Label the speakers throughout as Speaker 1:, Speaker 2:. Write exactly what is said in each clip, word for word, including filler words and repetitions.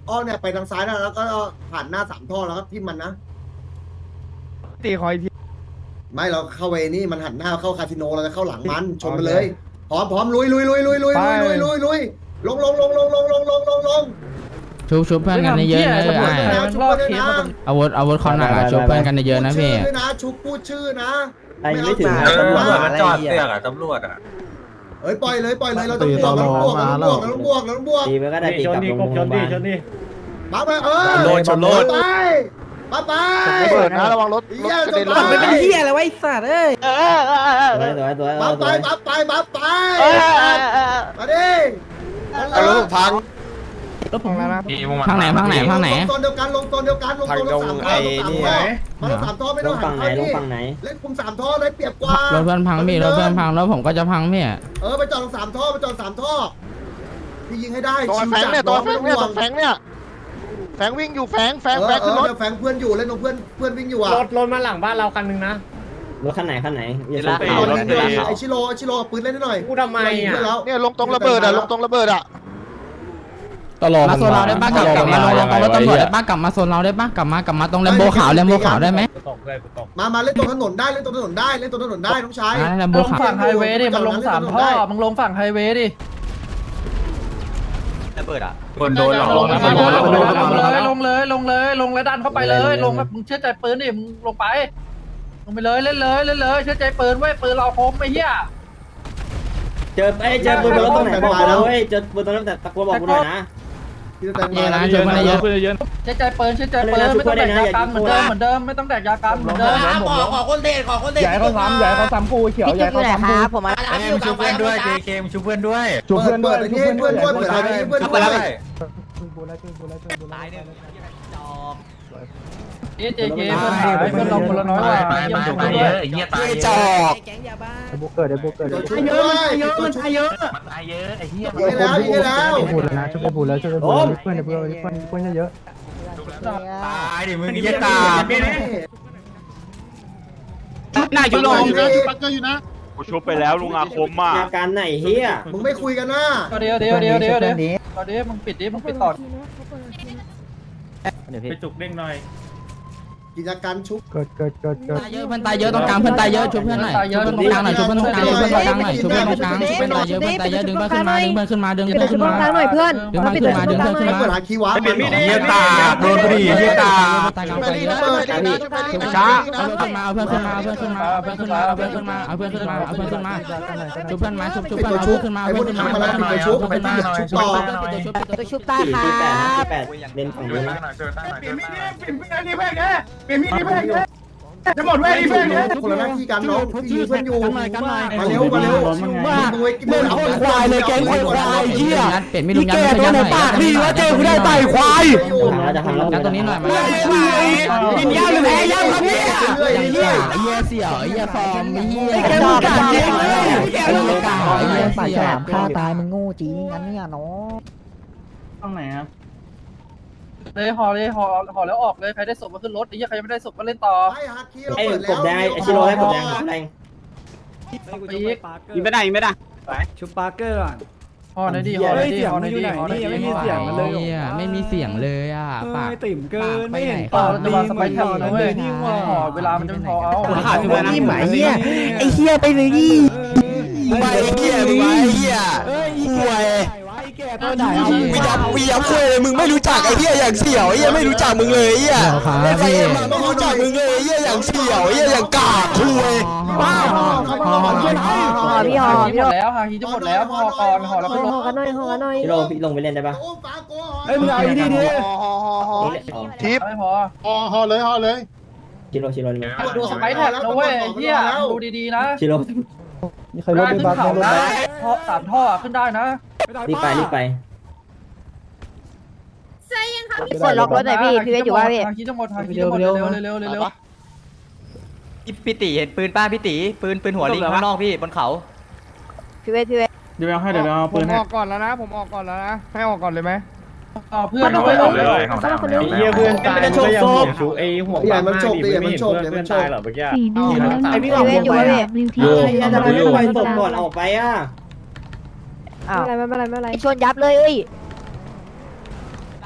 Speaker 1: อ้อมเนี่ยไปทางซ้ายนะแล้วก็ผ่านหน้าสามท่อแล้วก็ทิ่มมันนะ
Speaker 2: ตีคอยที
Speaker 1: ไม่เราเข้าไปนี่มันหันหน้าเข้าคาสิโนเราจะเข้าหลังมันชนมันเลยพร้อมพร้อมลุยลุยลุยลุยลุยลุยลุยลุยลุยลงลงลงลงลงลงลงลงลง
Speaker 3: ชุบชุบเพื่อนกันเยอะๆนะ
Speaker 1: ชุบเพื่อนด้วยนะ
Speaker 3: อาวุธอาวุธเขาหนักอ่ะชุบเพื่อนกันเยอะๆนะพี่
Speaker 1: พูดชื่อด้วยนะชุบพูดชื่อนะ
Speaker 4: ไอ้ไม่ถึง
Speaker 1: เออ
Speaker 4: ตำรวจ
Speaker 5: มันจอดเสือกอะตำรวจอะ
Speaker 1: เอ้ยปล่อยเลยปล่อยเลยเราต้องบวกเราต้องบวกเราต้องบวกเราต้องบวกเราต้องบวก
Speaker 4: ตีไปก็ได้ตีกลับลงโรงพยาบาล
Speaker 1: มาไปเออ
Speaker 5: โลดชนโลด
Speaker 1: ไปมาไป
Speaker 2: เปิดนะระวังรถรถกระเด็น
Speaker 1: ไม่เป็นเหี้ย
Speaker 4: ตัวตัวตัว
Speaker 1: มาไป
Speaker 4: ตัว
Speaker 1: มาไปมาไปมาดิ
Speaker 2: เอารถพัง
Speaker 3: รถผมแล้วนะพังไหนพังไหนพังไหน
Speaker 1: ลงโซนเดียวกันลงโซนเดียวกันลงโซนสามท่อลงสามท่อมาลงสามท่อไม่
Speaker 4: ล
Speaker 1: ต้อง
Speaker 4: ง
Speaker 1: หั
Speaker 4: ฝั่
Speaker 1: น
Speaker 4: งไหน
Speaker 1: เข้า
Speaker 4: ล
Speaker 1: ดิ
Speaker 4: งฝั่งไหน
Speaker 1: เล่นคุมสามท่อได้เปรียบกว่าร
Speaker 3: ถเพื่อนพังพี่รถเพื่อนพังรถผมก็จะพังพี่
Speaker 1: เออไปจอดสามท่อไปจอดสามท่อพี่ยิงให้ได้
Speaker 2: ตัวแฟงเนี่ยตัวแฟงเนี่ยตัวแฟงเนี่ยแฟงวิ่งอยู่แฟงแฟงแฟงขึ้นรถ
Speaker 1: แฟงเพื่อนอยู่เล่นตรงเพื่อนเพื่อนวิ่งอยู่อ่ะ
Speaker 6: รถรถมาหลังบ้านเราคันนึงนะ
Speaker 4: รถคันไหนคันไหนอย่า
Speaker 5: เว
Speaker 4: ชน
Speaker 5: ลา
Speaker 4: ตี
Speaker 5: ขับรถ
Speaker 1: ไอชิโร่ไอชิโร่ปืนเล่นได้หน่อย
Speaker 6: กูทำไมอ่ะ
Speaker 2: เนี่ยลงตรงระเบิดอ่ะลงตรงระเบิดอ่ะ
Speaker 3: มาโซนเราได้ป้ากลับกลับมาลงลงรถตำรวจได้ป้ากลับมาโซนเราได้ป้ากลับมากลับมาตรงแลมโบขาวแลมโบขาวได้ไหม
Speaker 6: ตกเลยกูตก
Speaker 1: มามาเล่นตรงถนนได้เล่นตรงถนนได้เล่นตรงถนนได้น้องชาย
Speaker 3: แลมโบ
Speaker 7: ลง
Speaker 3: ขาว
Speaker 7: ฝั่งไฮเวย์ดิมันลงสามท่อมึงลงฝั่งไฮเวย์ดิ
Speaker 5: ระเบิดอะคนโดนหลอก
Speaker 7: ลง
Speaker 5: แล้ว
Speaker 7: เลย
Speaker 5: มันโดนแล้วมันโดน
Speaker 7: ลงเลยลงเลยลงเลยลงแล้วดันเข้าไปเลยลงแบบมึงเชื่อใจปืนดิมึงลงไปลงไปเลยเล่นเลยเล่นเลยเชื่อใจปืนไว้ปืนเราคมไอ้เหี้ย
Speaker 4: เจอไอ้เจอปืนบนรถตรงไหนบอกกูเว้ยเจอปืนตรงนั้นแต่ตะโกนบอกกูหน่อยนะ
Speaker 1: พี่จะแต่ง
Speaker 3: เย
Speaker 1: มา
Speaker 3: อะนะชุบกันเยอะ
Speaker 7: เชื่อใจปืนเชื่อใจปืนไม่ต้องแดกยากันเหมือนเดิมเหมือนเดิมไม่ต้องแดกยากันเหมือนเดิม
Speaker 6: ขอขอคนเตะขอคนเตะ
Speaker 2: ใหญ่เขาซ้ำใหญ่เขาซ้ำกูเขียว
Speaker 8: พี่
Speaker 2: ใหญ่
Speaker 8: จุ๊บอ
Speaker 2: เขา
Speaker 8: ยู่ไหน
Speaker 2: ซ้ำ
Speaker 8: ค
Speaker 2: กู
Speaker 8: รับผมมา
Speaker 5: ไอ้นี่มันชูเพื่อนด้วย เจ เค มันชูเพื่อนด้วย
Speaker 2: จูบเพื่อนด้วย
Speaker 1: เปิด
Speaker 2: จูบ
Speaker 1: เพื่
Speaker 2: เพื่
Speaker 1: อ
Speaker 2: อน น
Speaker 1: ด้
Speaker 2: ด้
Speaker 1: ว
Speaker 2: วย ย
Speaker 1: เพื่อนเปิดเพื่อนเปิดเพื่อน
Speaker 5: ตายเนี่ย
Speaker 7: เอเจเคเพื่อนหายเพื่อนเราคนละน้อยว่ะ
Speaker 5: ตายตายตายเยอะไอ้เหี้ยตายเยอะ
Speaker 8: แก๊งยาบ้า
Speaker 2: บุกเกิดเดี๋ยวบุกเกิด
Speaker 1: ตัวชุบด้วยตัวชุบเยอะ
Speaker 5: มันตายเยอะไอ้เหี้ย
Speaker 1: ยิงแล้วยิงแล้ว
Speaker 2: พูดแล้วนะช่วยพูดแล้วช่วยพูดเพื่อนเพื่อนเพื่อนเพื่อนเยอะ
Speaker 5: ตายดิมึงเหี้ยตา
Speaker 3: หน้าชุบลง
Speaker 9: กูชุบไปแล้วลุงอาคมมาก
Speaker 4: อาการไหนเฮีย
Speaker 1: มึงไม่คุยกันนะ
Speaker 7: เดี๋ยวเดี๋ยวเดี๋ยวเดี๋ยวเดี๋ยวเดี๋ยวเดี๋ยวมึงปิดดิมึงปิดต่อ
Speaker 6: ไปจุกเด้งหน่อย
Speaker 1: กิจการชุบ
Speaker 2: เกิดเกิดเกิดเกิด
Speaker 3: ตายเยอะเพื่อนตายเยอะตรงกลางเพื่อนตายเยอะชุบเพื่อนหน่อยชุบเพื่อนตรงกลางหน่อยชุบเพื่อนตรงกลางชุบเพื่อนตรงกลางหน่อยชุบเพื่อนตรงกลางชุบเพื่อนตายเยอะเพื่อนตายเยอะดึงเพื่อนขึ้นมาดึงเพื่อนขึ้นมาดึง
Speaker 8: ปิด
Speaker 3: เพื่อน
Speaker 8: ชุ
Speaker 3: ขึ้
Speaker 8: บ
Speaker 3: น
Speaker 8: ตรง
Speaker 3: มาก
Speaker 8: ลางหน่อยเพื่อน
Speaker 3: ดึงเพื่อนขึ้นมาดึงเพื่อนขึ้น
Speaker 1: ไม่
Speaker 3: มา
Speaker 1: เปิดหาคีย์วาร์ปมัน
Speaker 5: เหี้ยตาโดนบุหรี่เหี้ยตา
Speaker 3: ตายกลาง
Speaker 2: ไป
Speaker 3: ไฟ
Speaker 2: ดี
Speaker 3: เย
Speaker 2: นะ
Speaker 3: อะ
Speaker 2: ไปดีนะไปดีนะ
Speaker 3: ช้าเอาเพื่อนขึ้นมาเอาเพื่อนขึ้นมาเอาเพื่อนขึ้นมาเอาเพื่อนขึ้นมาเอาเพื่อนขึ้นมาเอาเพื่อนขึ้นมาเอาเพื่อนขึ้นมาชุบเพื่อนมาชุบชุบ
Speaker 1: ปิด
Speaker 3: เพื่อน
Speaker 1: ตัว
Speaker 3: เอา
Speaker 1: ชุ
Speaker 3: เพื่
Speaker 1: บ
Speaker 3: อนขึ้นมา
Speaker 1: ไอ้
Speaker 3: เอา
Speaker 1: พว
Speaker 3: เพื่
Speaker 1: ก
Speaker 3: อน
Speaker 1: ที่
Speaker 3: ขึ้น
Speaker 1: ทำ
Speaker 3: มา
Speaker 1: มาแล้วปิดตัวชุบไปที่ชุบต่อ
Speaker 8: ตัวชุบตายครั
Speaker 4: สี่แปด
Speaker 8: บ
Speaker 4: แปดเล่นฝั่งนู้นนะ
Speaker 2: จะหมดเว้ยเพื่อนเนี่ย
Speaker 1: คนละหน้าที่กันน้องพี่ยิงเพื่อนอยู่มาเร็วมาเร็วมึงไว้กินมึงเอา
Speaker 3: ควายเลยแกงควายเหี้ยเป็ดไม่รู้ยันไม่ยันหน่อย
Speaker 2: นี่ว่าเจอกูได้ไต่ควาย
Speaker 4: ทำแล้วจะทำแล้ว
Speaker 3: ยันตัวนี้หน่อยมา
Speaker 2: กินยาหรือแพ้ยาครับพี่
Speaker 3: เหี้ยเหี้ยเสี่ยวเหี้ยฟอร์มเหี้ย
Speaker 8: แกมึงกัดจริงเลย
Speaker 3: เหี้ยเหี้ย
Speaker 8: ปาก
Speaker 3: เสี่
Speaker 8: ฉ
Speaker 3: ยว
Speaker 8: ลามฆ่าตายมึงโง่จริงงั้นเนี่ยน้อง
Speaker 6: ต้องไหนครับ
Speaker 7: เลยห่อเลยห่อห่อแล้วออกเลยใครได้ศพมาขึ้นรถไอ้เหี้ยใครยังไม่ได้ศพก็เล่นต่อ
Speaker 4: ไอ้กบแดงไอ้ชิโร่ให้กบแดงแดง
Speaker 7: ปีก
Speaker 2: ยิงไม่ได้ยิงไม่ได้
Speaker 6: ชุบปาร์เกอร์ก่อน
Speaker 7: ห่อหน่อยดิห่อหน่อยดิห่อหน่อยดิห่อหน่อยดิ
Speaker 3: ไม่มีเสียงเลยอ่ะไม่มีเสียงเลยอ่ะปาก
Speaker 6: ติ่มเกิน
Speaker 3: ไปไหน
Speaker 7: เออจะวางสไปร์แท็บนะเว้ยห่อเวลามันจะพอเอา
Speaker 8: นี่หมายเหี้ยไอ้เหี้ยไปเลยดิ
Speaker 2: ไปเหี้ยมึงไปเหี้ยคุยมีดับมีดับคุยเลยมึงไม่รู้จักไอ้เหี้ยอย่างเสี่ยวไอ้เหี้ยไม่รู้จักมึงเลยไอ้เหี้ยไอ้ไฟเอ็มไม่รู้จักมึงเลยไอ้เหี้ยอย่างเสี่ยวไอ้เหี้ยอย่างกากคุย
Speaker 8: ห่อพี่ห่อ
Speaker 7: ห
Speaker 8: พี่
Speaker 7: ม
Speaker 8: ห่อ
Speaker 7: ดแล้วฮาฮีจะหมดแล้วห่อก่อนห่อแล้ว
Speaker 8: ห่
Speaker 7: ก็ล
Speaker 8: อง กันหน่อยห่อกันหน่อย
Speaker 4: ชิโร่พี่ลงไปเล่นได้ปะ
Speaker 2: เฮ้ยมึงเอาดีดีทิป
Speaker 7: ไม่พอ
Speaker 2: ห่อห่อเลยห่อเลย
Speaker 4: ชิโร่ชิโร่นี่
Speaker 7: ดูสไปร์แท็บนะเว้ยเหี้ยดูดีๆนะ
Speaker 4: ชิโร่
Speaker 2: มีใครรถ
Speaker 7: ได้
Speaker 2: ไป
Speaker 7: ขึ้น
Speaker 2: บัก
Speaker 7: เขา
Speaker 2: รถ
Speaker 7: นะท่อสามท่อขึ้นได้นะ
Speaker 4: รีบไปรีบไป
Speaker 8: กดล็อกรถหน่อยพี่พี่เวทอยู่ว่าพี่
Speaker 7: ฮาฮีจะหมดฮาฮีจะหมดเร็วเร็วเร็วเร็ว
Speaker 5: พี่ตีเห็นปืนป้าพี่ตีปืนปืนหัวลิงข้างนอกพี่บนเขา
Speaker 8: พี่เวทพี่เวท
Speaker 6: เดี๋ยวเอาให้เดี๋ยวเอา
Speaker 2: ผ
Speaker 6: ปื
Speaker 2: ม
Speaker 6: น
Speaker 2: อ
Speaker 6: ให้
Speaker 2: อกก่อนแล้วนะผมออกก่อนแล้วนะให้ออกก่อนเลยไหม
Speaker 7: ต่อเพื่อนเอาไว้ลง
Speaker 6: เฮียเพื่อนตายมันก็ยังหัวชูไอ้หัวป้ามาดิไม่เห็นเพื่อนเพื่อนตายหรอเมื่อกี้
Speaker 8: สี่เดือนแล้วไอพี่เวทอยู่ว่าพี่
Speaker 4: โย่ทำไมไม่ปล่อยศพก่อนออกไปอ่ะ
Speaker 8: อ้าวไม่เป็นไรไม่เป็นไรชนยับเลยเอ้ย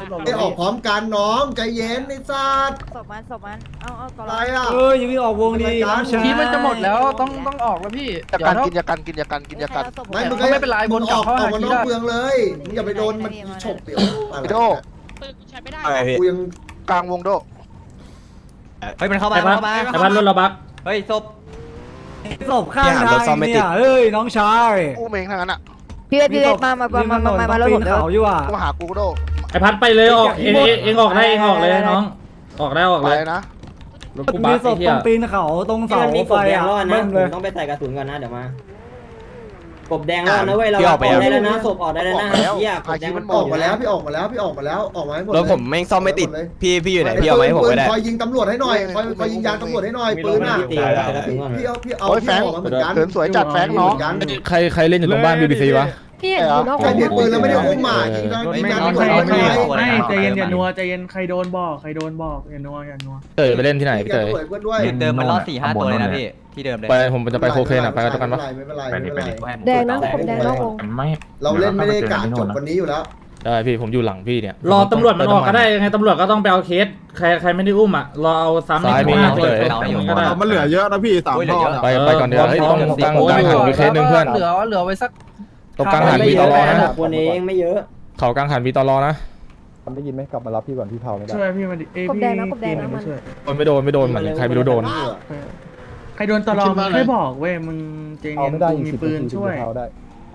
Speaker 1: ไอออกพร้อมกันน้องใจเย็นไอ้สัตว์
Speaker 8: ศพมันศพมันเอาเอาก่อน
Speaker 1: อะไรอ่ะ
Speaker 4: เออยังไม่ออกวงดี
Speaker 7: ทีมันจะหมดแล้วต้องต้องออกแล้วพี่
Speaker 10: อย่ากันกินอย่ากันกินอย่ากันกินอย่ากัน
Speaker 1: ไม่มึง
Speaker 7: ไม่เป็นไรบน
Speaker 1: อ
Speaker 7: กลั
Speaker 1: อบ ก
Speaker 7: เข้า
Speaker 1: ออก
Speaker 7: หา
Speaker 1: มา
Speaker 7: ที
Speaker 1: นอก
Speaker 7: ได้
Speaker 1: เมืองเลยมึงอย่าไปโดนมันฉกเดี๋ยวอะไร
Speaker 10: โด
Speaker 2: อะไรพี่
Speaker 1: กูยัง
Speaker 10: กลางวงโด
Speaker 5: เฮ้ยมันเข้ามา
Speaker 4: ไอ้พัด
Speaker 5: เข้ามา
Speaker 4: ไอ้พัดรถเราบัก
Speaker 5: เฮ้ยศพ
Speaker 4: ศพข้างทางเนี่ยเอ้ยน้องชาย
Speaker 10: อู้เมงทั้งนั้นอ่ะ
Speaker 8: พี่เวทพี่เวทมามามามามามาแล้วผมเดี๋ยว
Speaker 4: เขาอยู่อ่ะ
Speaker 10: ต้องหากูโด
Speaker 6: ไอ้พัดไปเลยออกเองเองออกได้เองออกเลยน้องออกได้ออก
Speaker 10: ไป
Speaker 6: เลย
Speaker 10: นะ
Speaker 6: รถกูบักไอ้เหี้ย
Speaker 4: ปีนเขาตรงเสาไฟอ่ะเบิ้มเลย
Speaker 11: ต้องไปใส่กระสุนก่อนนะเดี๋ยวมากบแดงแล้วนะเว้ยเราออกได้แล้วนะศพออกได้แล้วนะเฮียกบแดงมัน
Speaker 1: ออกมาแล้วพี่ออกมาแล้วพี่ออกมาแล้วออกมาให้หมด
Speaker 2: รถผมแม่งซ่อมไม่ติดพี่พี่อยู่ไหนพี่เอาไหมาให้ผมก็ได้
Speaker 1: คอยยิงตำรวจให้หน่อยคอยคอยยิงยางตำรวจให้หน่อยปืนอ่ะ
Speaker 11: ตีใส่กระสุนก่อน
Speaker 1: พี่เอาพี่เอา
Speaker 10: โอ้ยแฟ
Speaker 1: พี่
Speaker 10: ง
Speaker 1: ออกมาเหมือนกัน
Speaker 10: เขินสวยจัดแฟงน้อง
Speaker 3: ใครใครเล่นอยู่ตรงบ้านบีบีซีวะ
Speaker 8: พี่อยู่นอก
Speaker 1: ใครเปลี่ยนปืนแล้วไม่ได้อุ้มหมายิงยิงยางตำรวจให้หน่อย
Speaker 5: ไม่ใจเย็นอย่านัว
Speaker 6: ใจเย็นใครโดนบอกใครโดนบอกอย่านัวอย่านัว
Speaker 3: เต๋อไปเล่นที่ไหนพี่เต๋อ
Speaker 1: เพื่อนด้วย
Speaker 5: เดิมมันรอดสี่ห้าตัวเลยนะพี่ที่เดิมเลย
Speaker 3: ไปผมจะไปโคเคนอ่ะไปกันกันปะ
Speaker 1: ไม่เป็นไรไม่เป็นไรไม่เป็นไร
Speaker 8: แดงนะผมแดงนอกวง
Speaker 1: เราเล่นไม่ได้กะจบวันนี้อยู่แล้ว
Speaker 3: ได้พี่ผมอยู่หลังพี่เนี่ย
Speaker 6: รอตำรวจมันออกก็ได้ยังไงตำรวจก็ต้องไปเอาเคสใครใครไม่ได้อุ้มอ่ะรอเอาซ้ำในข้างหน้าเลยก็ได้
Speaker 9: มันเหลือเยอะนะพี่สามท่อ
Speaker 3: ไปไปก่อนเดี๋ยวเฮ้ยต้องตั้งตั้งหันมีเคสหนึ่งเพื่อน
Speaker 7: เหลือเหลือไว้สัก
Speaker 3: ตรงกลางหันมีตลอนะ
Speaker 11: คนเองไม่เยอะ
Speaker 3: เขากลางหันมีตลอนะ
Speaker 9: ได้ยินไหมกลับมารับพี่ก่อนพี่เผาไม่ได้
Speaker 6: ช่วยพี่มาดิเอ้ย
Speaker 8: กบ
Speaker 6: พี่
Speaker 8: แดงนะกบแดงนะมัน
Speaker 3: โดนไม่โดนไม่โดนเหมือนใครไม่รู้โดน
Speaker 6: ใครโดนตลอดไม่บอกเว้ยมึงเจง
Speaker 9: เอาไม่ได้
Speaker 6: มีปืนช่วย
Speaker 9: เผาได้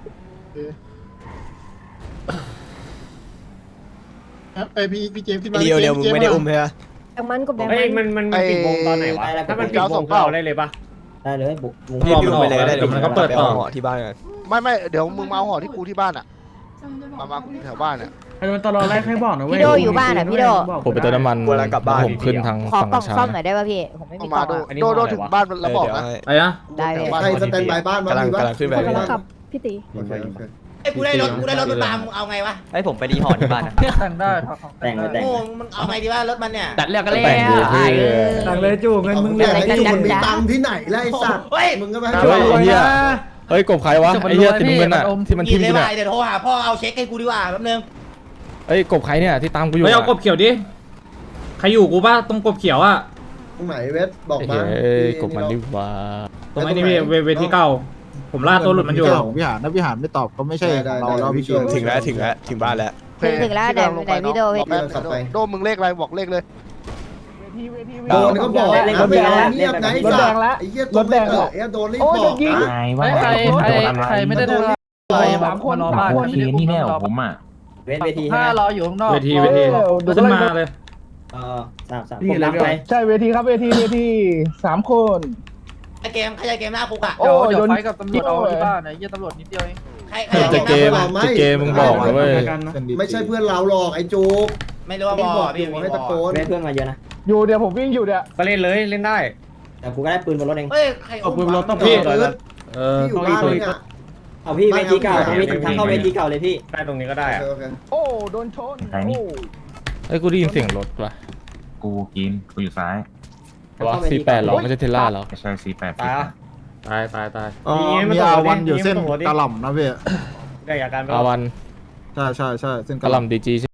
Speaker 10: ไอพี่พี่เจมส์ขึ้นมา
Speaker 2: เดียวเดียวมึงไม่ได้อุ้มใช่ไหม
Speaker 8: แดงมันกบแดง
Speaker 6: เฮ้ยมันมันปิดวงตอนไหนวะถ้ามันปิดวงเราได้เลยปะ
Speaker 11: ได้เลยบุกบุก
Speaker 2: พี่พี่อุ้มไปเลยก็ได้
Speaker 6: เดี๋ยวมันก็เปิดต่อ
Speaker 2: หอที่บ้านกัน
Speaker 10: ไม่ไม่เดี๋ยวมึงมาเอาห่อที่กูที่บ้านอ่ะมามาแถวบ้านเนี่ย
Speaker 6: ใครโดนตลอดแรกให้บอกนะเว้ย
Speaker 8: พี่โดอยู่บ้านอ่ะพี่โด
Speaker 3: ผมไปเติมน้ำมันผมขึ้นทาง
Speaker 8: ขอ
Speaker 3: ฝั่ง
Speaker 8: กล่อง
Speaker 3: ช้า
Speaker 8: ซ่อมหน่อยได้ป่ะพี่ผมไม่มี
Speaker 10: เอา
Speaker 8: กล่
Speaker 10: มา
Speaker 8: อง
Speaker 10: โดโดโดถึงบ้านแล้วบอกนะ
Speaker 6: ไอ้นะ
Speaker 8: ได้เลย
Speaker 1: ใครสแตนบายบ้านบ้างมีบ้าง
Speaker 8: พี่ตี
Speaker 1: โอเคโอเค
Speaker 10: ไอ้กูได้รถกูได้รถมันตามเอาไงวะ
Speaker 5: ไอ้ผมไปดีหอที่บ้านนะ
Speaker 7: แต่งได้
Speaker 11: แต่งไปแต่ง
Speaker 10: โอ้มึงเอาไงดีวะรถมันเนี่ย
Speaker 3: ตัดเลือกกันแล้ว
Speaker 6: สั่งเลยจู่เงินมึง
Speaker 1: แต่ไอ้จุกมีตังค์ที่ไหนแล้วไอ้สัตว์มึงก็ไปให้
Speaker 3: เฮ้ยไอ้เหี้ยเฮ้ยกบใครวะไอ้เหี้ยติดเงินอ่ะที่มันทิ่ม
Speaker 10: เล
Speaker 3: กู
Speaker 10: ย
Speaker 3: เนี่ย
Speaker 10: ว่าเดี๋ยวโทรหาพ่อเอาเช็คให้กูดีกว่าแป๊บนึง
Speaker 3: เฮ้ยกบใครเนี่ยที่ตามกูอยู่
Speaker 6: เฮ้ยเอากบเขียวดิใครอยู่กูป่ะตรงกบเขียวอ่ะ
Speaker 1: ตรงไหนเวทบอกมา
Speaker 3: เฮ้ยกบมันดิว่า
Speaker 6: ตรงไอ้นี่พี่เวทีเก่าผมล่าตัวหลุดมันอยู่
Speaker 9: วิหารนะวิหารไม่ตอบก็ไม่ใช่เราแล้วพี่
Speaker 2: ถึงแล้วถึงแล้วถึงบ้านแล้ว
Speaker 8: ถึงถึงแล้วเดี๋ยวไหนพี่โดพี่
Speaker 10: โดมึงเลขอะไรบอกเลขเลย
Speaker 1: โดนก็บอกนะไม่เงียบไงสัตว์ไอ้เหี้ยตัวไม่เกิดไอ้โดนรีบบอกนะ
Speaker 7: ใครใครใครไม่ได้ทำอะไรสามคนรอบ้านนี่แน่ผมอ่ะ
Speaker 11: เวทเวที
Speaker 7: ถ้ารออยู่ข้างนอก
Speaker 6: เวทีเวทีขึ้นมาเลย
Speaker 11: เออสามสามผมรับไป
Speaker 9: ใช่เวทีครับเวทีเวทีสามคน
Speaker 10: ไอเกมใครจะเกมหน้าคุกอ่ะ
Speaker 7: เดี๋ยวเดี๋ยวไฟกับตำรวจเอาที่บ้านนะเยี่ยตำรวจนิดเดียวเอง
Speaker 10: ใครใคร
Speaker 3: จะเกมจะเกมมึงบอกนะเว้ย
Speaker 1: ไม่ใช่เพื่อนเราหรอกไอ้จุก
Speaker 10: ไม่รู้ว่า
Speaker 1: พี่
Speaker 10: บบ อ
Speaker 1: อก กอยู่ให้ตะโกน
Speaker 11: เวทเพื่อนมาเยอะนะ
Speaker 9: อยู่เดี๋ยวผมวิ่งอยู่เดี๋ยว
Speaker 6: ก็เล่นเลยเล่นได้
Speaker 11: แต่กูก็ได้ปืนบนรถเอง
Speaker 10: เฮ้ยใคร
Speaker 6: เอาปืนรถต้อง
Speaker 1: พี่
Speaker 6: พี่
Speaker 1: เออ
Speaker 6: เออ
Speaker 1: พี่อยู่
Speaker 6: ต้อง
Speaker 1: บ้าน
Speaker 6: อีก
Speaker 1: เนี่ย
Speaker 11: เอาพี่เวทีเก่าตรงนี้ทางเข้าเวทีเก่าเลยพี่
Speaker 6: ได้ตรงนี้ก็ได้
Speaker 1: โอ
Speaker 6: อะ
Speaker 1: เคโอเค
Speaker 9: โอ้โดนชนโอ้
Speaker 3: เฮ้ยกูได้ยินเสียงรถว่ะ
Speaker 12: กูกินกูอยู่ซ้าย
Speaker 3: วะสี่แปดหรอไม่ใช่เทสลาหรอ
Speaker 12: ไม่ใช่สี่แปด
Speaker 6: ตายตายตายตาย
Speaker 9: มีอาวันอยู่เส้นกะหล่ำนะพี่
Speaker 6: ได้อาการ
Speaker 3: อาวัน
Speaker 9: ใช่ใช่ใช่เส้น
Speaker 3: กะหล่ำดีจี